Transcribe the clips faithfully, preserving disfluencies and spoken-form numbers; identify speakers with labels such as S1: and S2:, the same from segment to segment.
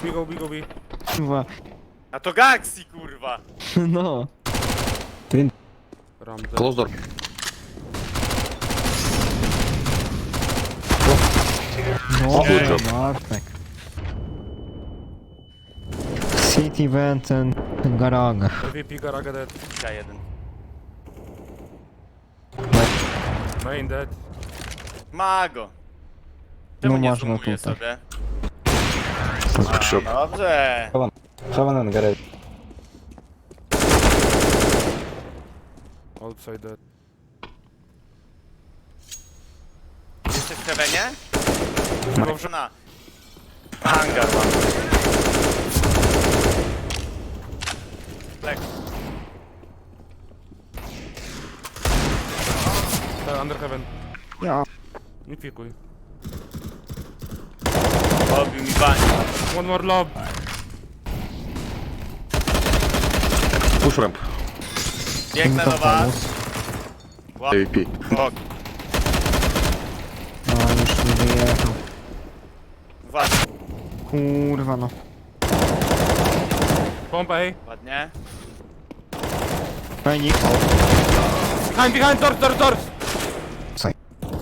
S1: Bigo, bigo, bi.
S2: Kurwa.
S3: A to Gaxi, kurwa!
S2: No.
S1: Ramdę.
S4: Close door.
S2: No,
S4: Good job.
S2: Bartek. City Vent and garage.
S1: V P, garaga dead.
S3: Ja jeden.
S1: Main dead.
S3: Mago! Czemu
S2: No
S3: nie
S2: można
S3: zoomuje
S2: tutaj.
S3: sobie?
S4: Shop.
S3: Dobrze!
S5: Heaven and garage.
S1: Outside dead.
S3: Jesteś w Heavenie? Dobrze na. Hangar mam. Lek.
S1: Tak, under heaven.
S2: Ja.
S1: Nie pikuj.
S3: Robił mi bani.
S1: One more lob.
S4: Push ramp.
S3: Biegnę do was.
S4: A V P.
S3: Ok.
S2: No, już nie wyjechał.
S3: Uważaj.
S2: Kurwa no.
S1: Pompa, ej.
S3: Ładnie.
S2: Fajnik.
S1: Behind, behind, doors, doors, doors.
S2: Saj.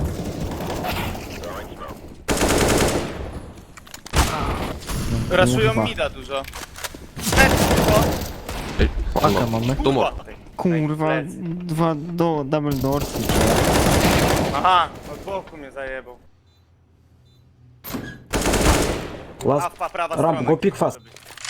S3: Raszują
S2: Kurwa.
S3: mida dużo. Ten, tylko.
S4: Ej,
S2: Paka
S4: one more.
S2: mamy.
S4: Two more.
S2: Kurwa,
S3: Plecy.
S2: dwa do double doors.
S3: Aha, od boku mnie zajebał.
S5: Last
S3: A, pa, prawa
S5: ramp,
S3: strona.
S5: go pick fast.